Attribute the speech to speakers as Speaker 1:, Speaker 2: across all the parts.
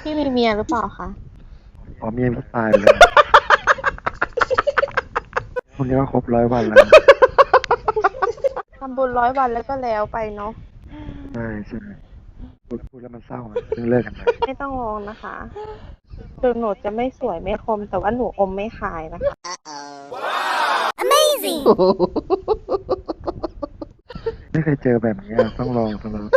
Speaker 1: พี่มีเมียหรือเปล่าคะ
Speaker 2: อ๋อเมียพี่ตายไปแล้วพวกนี้ก็ครบ100 วันแล้ว
Speaker 1: ทำบุญ100 วันแล้วก็แล้วไปเนาะ
Speaker 2: ใช่ใช่พูดแล้วมันเศร้าอะเพิ่งเลิกกันไป
Speaker 1: ไม่ต้องร้องนะคะถึงหนูจะไม่สวยไม่คมแต่ว่าหนูอมไม่ขายนะคะ
Speaker 2: ไม่เคยเจอแบบนี้อะต้องลองต้องลอง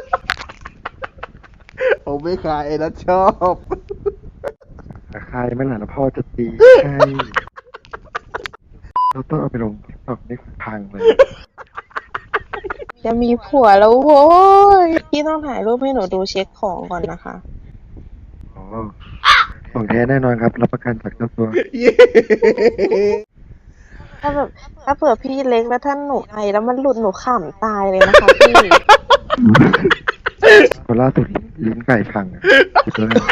Speaker 3: ผมไม่ขายไอ้นัทชอบ
Speaker 2: แต่ใครไม่หล่ะแล้วพ่อจะตีใช่เราต้องเอาไปลงตอกนี่พังเลย
Speaker 1: จะมีผัวแล้วโว้ยพี่ต้องถ่ายรูปให้หนูดูเช็คของก่อนนะคะ
Speaker 2: อ๋อของแท้แน่นอนครับรับประกันจากเจ้าตัว
Speaker 1: ถ้าแบบถ้าเผื่อพี่เล็กแล้วท่านหนูไอแล้วมันหลุดหนูขำตายเลยนะคะพี่
Speaker 2: คนล่าสุดลิ้นไก่พังอะคิดแล้วเนี่ย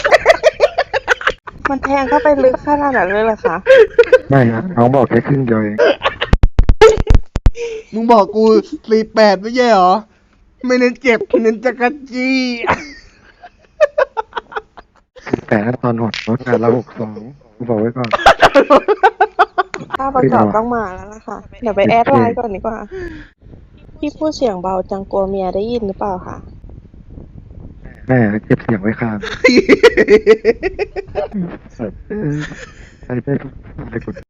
Speaker 1: มันแทงเข้าไปลึกขนาดนั้นเลยเหรอคะ
Speaker 2: ไม่ฮะน้องบอกแค่ครึ่งเดียวเอง
Speaker 3: มึงบอกกู48ไม่ใช่เหรอ ไม่เน้นเจ็บเน้นจักรจี้
Speaker 2: แต่ถ้าตอนหดรถงานละ62กูบอกไว้ก่อน
Speaker 1: ถ้าประกอบต้องมาแล้วล่ะค่ะ เดี๋ยวไปแอดไลน์ก่อนดีกว่า พี่พูดเสียงเบาจังกลัวเมียได้ยินหรือเปล่าคะ
Speaker 2: แม่เก็บเสียงไว้ข้างใส่ได้ทุก